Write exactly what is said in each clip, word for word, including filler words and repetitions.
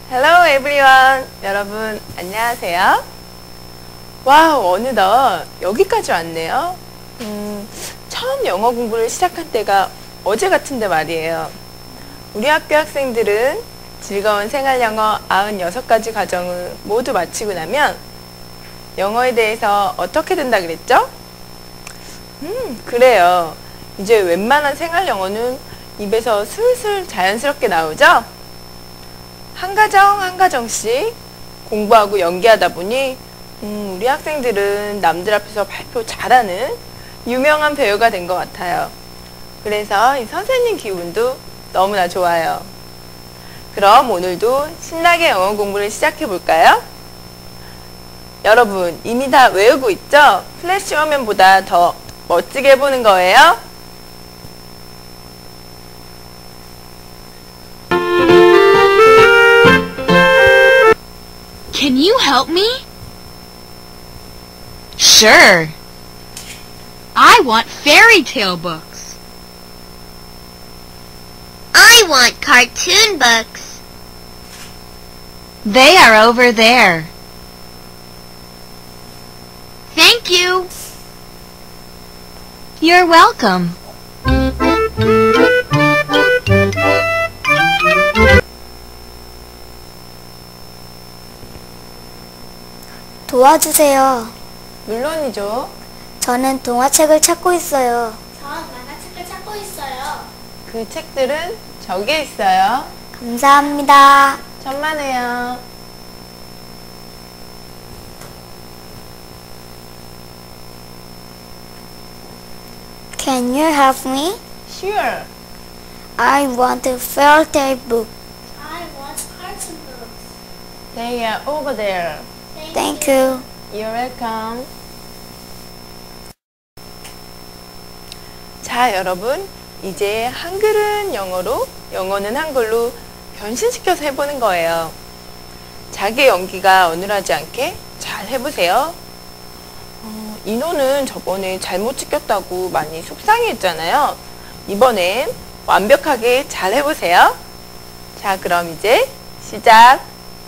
Hello everyone. 여러분 안녕하세요. 와우, 어느덧 여기까지 왔네요. 음, 처음 영어 공부를 시작한 때가 어제 같은데 말이에요. 우리 학교 학생들은 즐거운 생활영어 구십육 가지 과정을 모두 마치고 나면 영어에 대해서 어떻게 된다 그랬죠? 음, 그래요. 이제 웬만한 생활영어는 입에서 슬슬 자연스럽게 나오죠? 한 가정 한 가정씩 공부하고 연기하다 보니 음, 우리 학생들은 남들 앞에서 발표 잘하는 유명한 배우가 된 것 같아요. 그래서 이 선생님 기분도 너무나 좋아요. 그럼 오늘도 신나게 영어 공부를 시작해 볼까요? 여러분 이미 다 외우고 있죠? 플래시 화면보다 더 멋지게 해보는 거예요. Can you help me? Sure. I want fairy tale books. I want cartoon books. They are over there. Thank you. You're welcome. 도와주세요. 물론이죠. 저는 동화책을 찾고 있어요. 전 만화책을 찾고 있어요. 그 책들은 저기에 있어요. 감사합니다. 천만에요. Can you help me? Sure. I want a fairy tale book. I want cartoon books. They are over there. Thank you. You're welcome. 자, 여러분. 이제 한글은 영어로, 영어는 한글로 변신시켜서 해보는 거예요. 자기 연기가 어눌하지 않게 잘 해보세요. 어, 인호는 저번에 잘못 찍혔다고 많이 속상해했잖아요. 이번엔 완벽하게 잘 해보세요. 자, 그럼 이제 시작!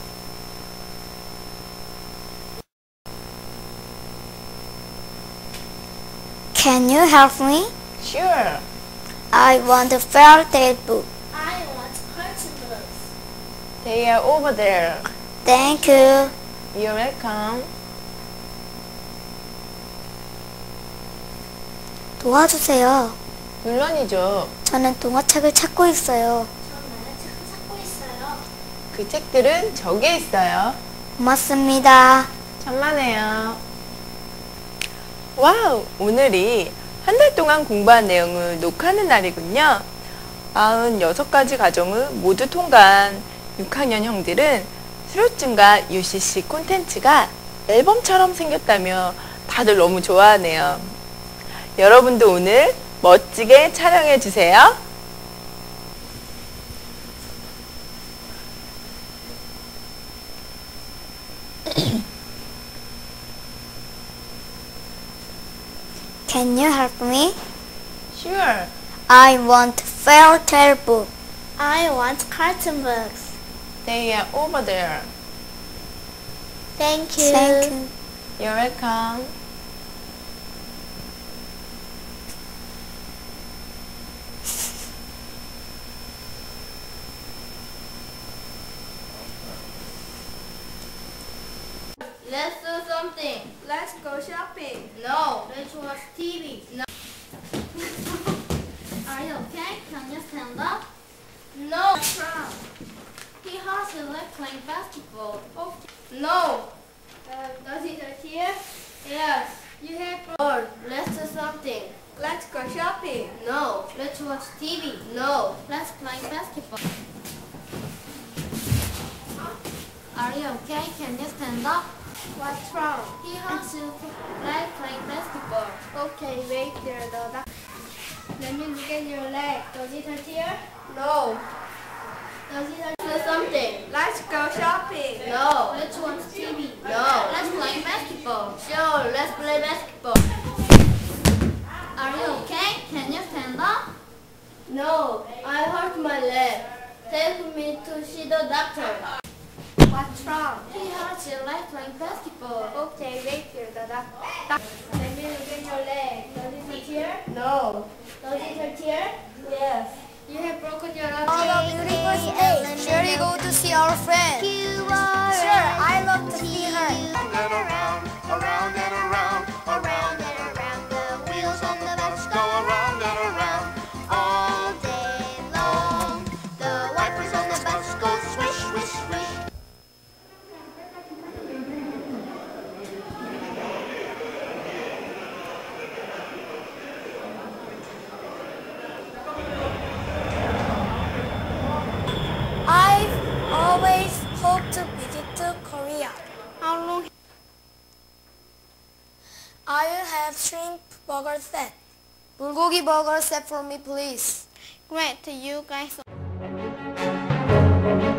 Can you help me? Sure. I want a fairy tale book. I want cartoon books. They are over there. Thank you. You're welcome. 도와주세요. 물론이죠. 저는 동화책을 찾고 있어요. 전 만화책을 찾고 있어요. 그 책들은 저기에 있어요. 고맙습니다. 천만에요. 와우! 오늘이 한 달 동안 공부한 내용을 녹화하는 날이군요. 구십육 가지 과정을 모두 통과한 육 학년 형들은 수료증과 유씨씨 콘텐츠가 앨범처럼 생겼다며 다들 너무 좋아하네요. 여러분도 오늘 멋지게 촬영해 주세요. Can you help me? Sure. I want a fairy tale book. I want cartoon books. They are over there. Thank you. Thank you. You're welcome. Let's do something. Let's go shopping. No. Let's watch T V. No. Are you okay? Can you stand up? No. What's wrong? He has a leg playing basketball. Okay. No. Uh, does he hurt here? Yes. You have bored. Let's do something. Let's go shopping. No. Let's watch T V. No. Let's play basketball. Are you okay? Can you stand up? What's wrong? He has to leg playing basketball. Okay, wait there. The doc- Let me look at your leg. Does it hurt here? No. Does it hurt for something? Let's go shopping. No. Let's watch T V. No. Let's play basketball. Sure, let's play basketball. Are you okay? Can you stand up? No, I hurt my leg. Take me to see the doctor. What's wrong? He hurts his leg playing basketball. Okay, wait here. The doc- doc- Let me look at your leg. Does it hurt here? No. Does it hurt here? Yes. You have broken your arm. On a beautiful day, shall we go to see our friend? Sure, I love to see her. Around and around, around and around, around and around. The wheels on the bus go around and around all day long. The wipers on the bus go swish, swish, swish. I've always hoped to visit to Korea. How long? I will have shrimp burger set. 불고기 burger set for me, please. Great. You guys.